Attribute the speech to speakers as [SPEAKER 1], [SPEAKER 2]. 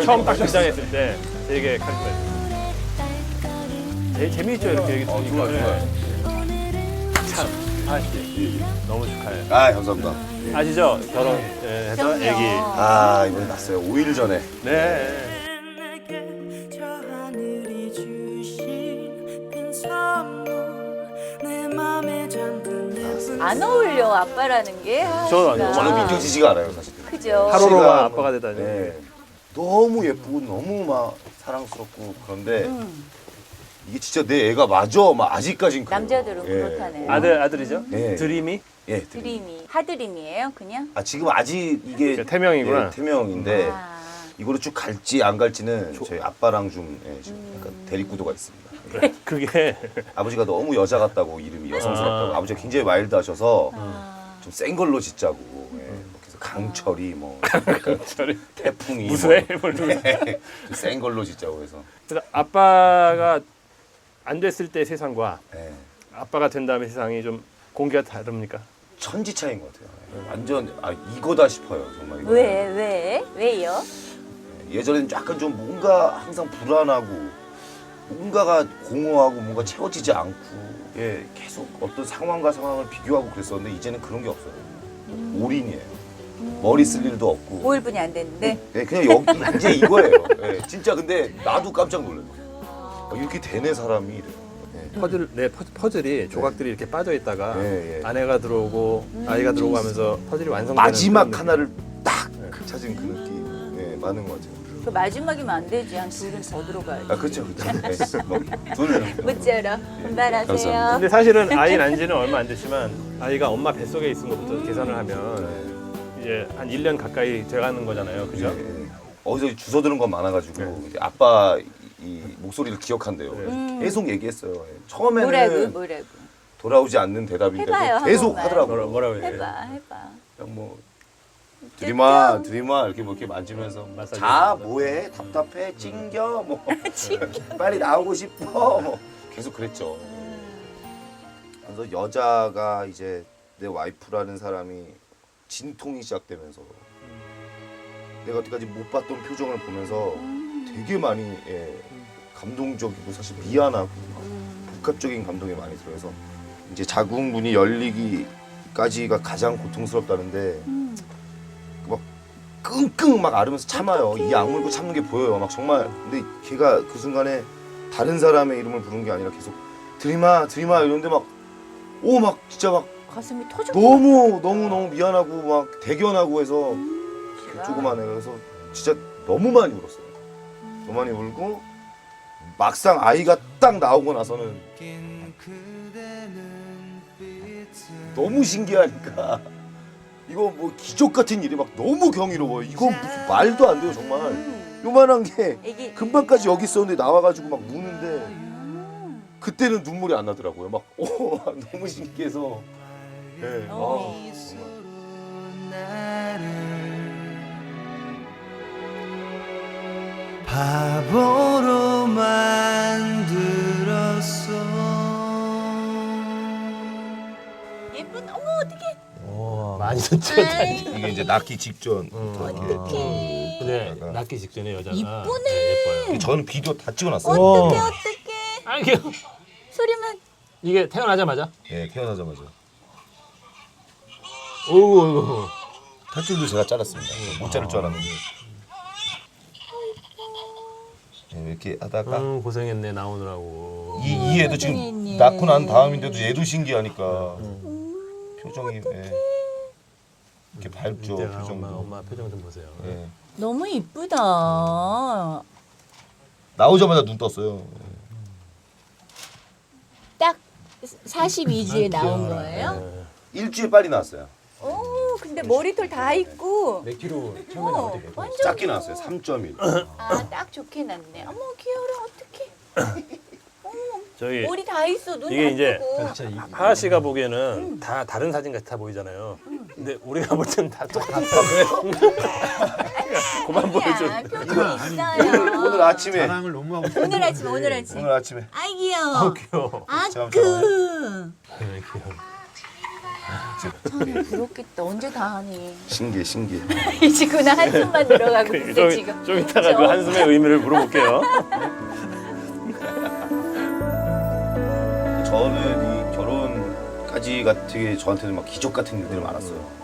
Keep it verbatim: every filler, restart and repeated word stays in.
[SPEAKER 1] 처음 딱 등장했을 때 되게 카리스마 있어요. 제, 재미있죠 이렇게 얘기
[SPEAKER 2] 어,
[SPEAKER 1] 들으니까.
[SPEAKER 2] 좋아요, 좋아요.
[SPEAKER 1] 참, 하씨 너무 축하해요.
[SPEAKER 2] 아, 감사합니다. 예.
[SPEAKER 1] 아시죠? 결혼해서
[SPEAKER 3] 그럼요.
[SPEAKER 1] 애기.
[SPEAKER 2] 아, 이번에 났어요. 오 일 전에.
[SPEAKER 1] 네.
[SPEAKER 4] 저 하늘이 주신 큰 선물 내 맘에 잠든 예쁜
[SPEAKER 3] 안 어울려 아빠라는 게. 아,
[SPEAKER 1] 저는
[SPEAKER 3] 진짜.
[SPEAKER 1] 아니요.
[SPEAKER 2] 저는 믿겨지지가 않아요, 사실.
[SPEAKER 3] 그죠.
[SPEAKER 1] 하루로만
[SPEAKER 2] 씨가
[SPEAKER 1] 아빠가 되다니.
[SPEAKER 2] 네. 너무 예쁘고 너무 막 사랑스럽고 그런데
[SPEAKER 3] 음.
[SPEAKER 2] 이게 진짜 내 애가 맞아. 막 아직까진 그래요.
[SPEAKER 3] 남자들은
[SPEAKER 2] 예.
[SPEAKER 3] 그렇다네.
[SPEAKER 1] 아들 아들이죠?
[SPEAKER 2] 네.
[SPEAKER 1] 드림이?
[SPEAKER 2] 예, 드림.
[SPEAKER 3] 드림이 하드림이에요, 그냥?
[SPEAKER 2] 아, 지금 아직 이게
[SPEAKER 1] 그 태명이구나.
[SPEAKER 2] 예, 태명인데
[SPEAKER 3] 아.
[SPEAKER 2] 이거로 쭉 갈지 안 갈지는 저희 아빠랑 좀 예, 지금
[SPEAKER 3] 음.
[SPEAKER 2] 약간 대립구도가 있습니다.
[SPEAKER 1] 그래, 그게
[SPEAKER 2] 아버지가 너무 여자 같다고 이름이 여성스럽다고
[SPEAKER 1] 아.
[SPEAKER 2] 아버지가 굉장히 와일드하셔서
[SPEAKER 3] 아.
[SPEAKER 2] 좀 센 걸로 짓자고 예. 그래서 강철이 뭐 약간
[SPEAKER 1] 저리
[SPEAKER 2] 태풍이
[SPEAKER 1] 무수해?
[SPEAKER 2] 뭐,
[SPEAKER 1] 뭘
[SPEAKER 2] 네. 센 걸로 짓자고 해서
[SPEAKER 1] 그래서 아빠가 안 됐을 때 세상과
[SPEAKER 2] 예.
[SPEAKER 1] 아빠가 된 다음에 세상이 좀 공기가 다릅니까?
[SPEAKER 2] 천지 차이인 것 같아요. 예. 완전 아 이거다 싶어요 정말. 이거는.
[SPEAKER 3] 왜, 왜? 왜요?
[SPEAKER 2] 예전에는 약간 좀 뭔가 항상 불안하고 뭔가가 공허하고 뭔가 채워지지 않고 예 계속 어떤 상황과 상황을 비교하고 그랬었는데 이제는 그런 게 없어요. 올인이에요. 머리 쓸 일도 없고.
[SPEAKER 3] 오 일분이 안 됐는데?
[SPEAKER 2] 예, 그냥 여기 이제 이거예요. 예, 진짜 근데 나도 깜짝 놀라요. 아, 이렇게 되네 사람이 이래요. 예.
[SPEAKER 1] 퍼즐, 네, 퍼, 퍼즐이 조각들이 이렇게 빠져 있다가
[SPEAKER 2] 예, 예.
[SPEAKER 1] 아내가 들어오고 아이가 들어오고 하면서 퍼즐이 완성되는
[SPEAKER 2] 마지막
[SPEAKER 1] 그런
[SPEAKER 2] 하나를 딱 찾은 그 느낌. 예, 많은 것 같아요.
[SPEAKER 3] 그 마지막이면 안 되지. 한 둘은 더 들어가야지.
[SPEAKER 2] 아 그렇죠, 그렇죠. 예, 뭐, 둘은
[SPEAKER 3] 무쪼록 분발하세요.
[SPEAKER 2] 감사합니다.
[SPEAKER 1] 근데 사실은 아이 난 지는 얼마 안 됐지만 아이가 엄마 뱃속에 있은 것부터 계산을 하면 이제 한 일 년 가까이 돼가는 거잖아요. 그죠?
[SPEAKER 2] 예, 예. 어디서 주워 들은 건 많아가지고
[SPEAKER 1] 네.
[SPEAKER 2] 이제 아빠 이 목소리를 기억한대요.
[SPEAKER 1] 네.
[SPEAKER 2] 계속 얘기했어요. 예. 처음에는
[SPEAKER 3] 뭐라고, 뭐라고.
[SPEAKER 2] 돌아오지 않는 대답인데도
[SPEAKER 3] 해봐요, 한
[SPEAKER 2] 계속
[SPEAKER 3] 번만.
[SPEAKER 2] 하더라고요.
[SPEAKER 1] 뭐라, 뭐라고 해야
[SPEAKER 3] 해봐, 해봐.
[SPEAKER 2] 그냥 뭐 드리마 드리마 이렇게 뭐 이렇게 만지면서
[SPEAKER 1] 마사지
[SPEAKER 2] 자
[SPEAKER 1] 해주면서.
[SPEAKER 2] 뭐해 답답해 찡겨 뭐 빨리 나오고 싶어 뭐 계속 그랬죠. 그래서 여자가 이제 내 와이프라는 사람이 진통이 시작되면서 내가 여태까지 못 봤던 표정을 보면서 되게 많이 예, 감동적이고 사실 미안하고 복합적인 감동이 많이 들어서 이제 자궁문이 열리기까지가 가장 고통스럽다는데 막 끙끙 막 앓으면서 참아요. 이 악물고 참는 게 보여요. 막 정말 근데 걔가 그 순간에 다른 사람의 이름을 부른 게 아니라 계속 드리마 드리마 이러는데 막 오 막 진짜 막
[SPEAKER 3] 가슴이 터져.
[SPEAKER 2] 너무 너무 너무 미안하고 막 대견하고 해서 그 조그만 애가 그래서 진짜 너무 많이 울었어요. 너무 많이 울고 막상 아이가 딱 나오고 나서는 너무 신기하니까 이거 뭐 기적 같은 일이 막 너무 경이로워요. 이거 무슨 말도 안 돼요 정말. 요만한 게
[SPEAKER 3] 애기.
[SPEAKER 2] 금방까지 여기 있었는데 나와가지고 막 우는데 그때는 눈물이 안 나더라고요. 막 오, 너무 신기해서. 네.
[SPEAKER 3] 어.
[SPEAKER 2] 아, 정말.
[SPEAKER 4] 바보로 만들었어.
[SPEAKER 3] 예쁜, 어머, 어떡해.
[SPEAKER 1] 오, 많이 듣다.
[SPEAKER 2] 이게 이제 낳기 직전.
[SPEAKER 3] 어떡해.
[SPEAKER 1] 근데 낳기 직전에 여자가
[SPEAKER 3] 이쁘네.
[SPEAKER 1] 네, 예뻐요.
[SPEAKER 2] 저는 비디오 다 찍어놨어요.
[SPEAKER 3] 어떡해, 어떡해.
[SPEAKER 1] 아 이게
[SPEAKER 3] 소리만.
[SPEAKER 1] 이게 태어나자마자.
[SPEAKER 2] 예, 태어나자마자.
[SPEAKER 1] 오우.
[SPEAKER 2] 탈줄도 제가 잘랐습니다. 못 자를 줄 알았는데. 예, 이렇게 하다가
[SPEAKER 1] 음, 고생했네 나오느라고.
[SPEAKER 2] 이, 이 애도 지금
[SPEAKER 3] 고생했네.
[SPEAKER 2] 낳고 난 다음인데도 얘도 신기하니까 표정이 예, 이렇게 밝죠.
[SPEAKER 1] 이때가
[SPEAKER 2] 표정도.
[SPEAKER 1] 엄마 엄마 표정 좀 보세요.
[SPEAKER 2] 예.
[SPEAKER 3] 너무 이쁘다.
[SPEAKER 2] 나오자마자 눈 떴어요.
[SPEAKER 3] 딱 사십이 주에 나온 거예요?
[SPEAKER 2] 일주일 빨리 나왔어요.
[SPEAKER 3] 오, 근데 머리털 다 있고.
[SPEAKER 1] 몇 킬로 처음에
[SPEAKER 3] 어,
[SPEAKER 1] 나올 때 몇 킬로?
[SPEAKER 3] 완전.
[SPEAKER 2] 작게 나왔어요. 삼 점 일.
[SPEAKER 3] 아, 딱 좋게 났네. 어머, 귀여워, 어떡해. 어머,
[SPEAKER 1] 저희
[SPEAKER 3] 머리 다 있어, 눈
[SPEAKER 1] 이게
[SPEAKER 3] 다
[SPEAKER 1] 이제
[SPEAKER 3] 뜨고.
[SPEAKER 1] 하하 씨가 보기에는 다 다른 사진 같아 보이잖아요. 근데 우리가 볼 때는 다 똑같아. 그만
[SPEAKER 3] 아니야,
[SPEAKER 1] 보여줘.
[SPEAKER 3] 표정이 있어요.
[SPEAKER 2] 오늘 아침에
[SPEAKER 5] 자랑을 너무 하고 싶어.
[SPEAKER 3] 오늘 아침, 오늘 아침.
[SPEAKER 2] 오늘 아침에
[SPEAKER 3] 아이, 귀여워.
[SPEAKER 1] 귀여워.
[SPEAKER 3] 아,
[SPEAKER 2] 잠깐만,
[SPEAKER 3] 그.
[SPEAKER 1] 네, 귀여워.
[SPEAKER 3] 천에 부럽겠다. 언제 다 하니?
[SPEAKER 2] 신기해 신기해.
[SPEAKER 3] 지금 한숨만 들어가고 있어
[SPEAKER 1] 좀,
[SPEAKER 3] 지금.
[SPEAKER 1] 좀 이따가 그
[SPEAKER 3] 그죠?
[SPEAKER 1] 한숨의 의미를 물어볼게요.
[SPEAKER 2] 저는 이 결혼까지가 되게 저한테는 막 기적 같은 일들이 많았어요.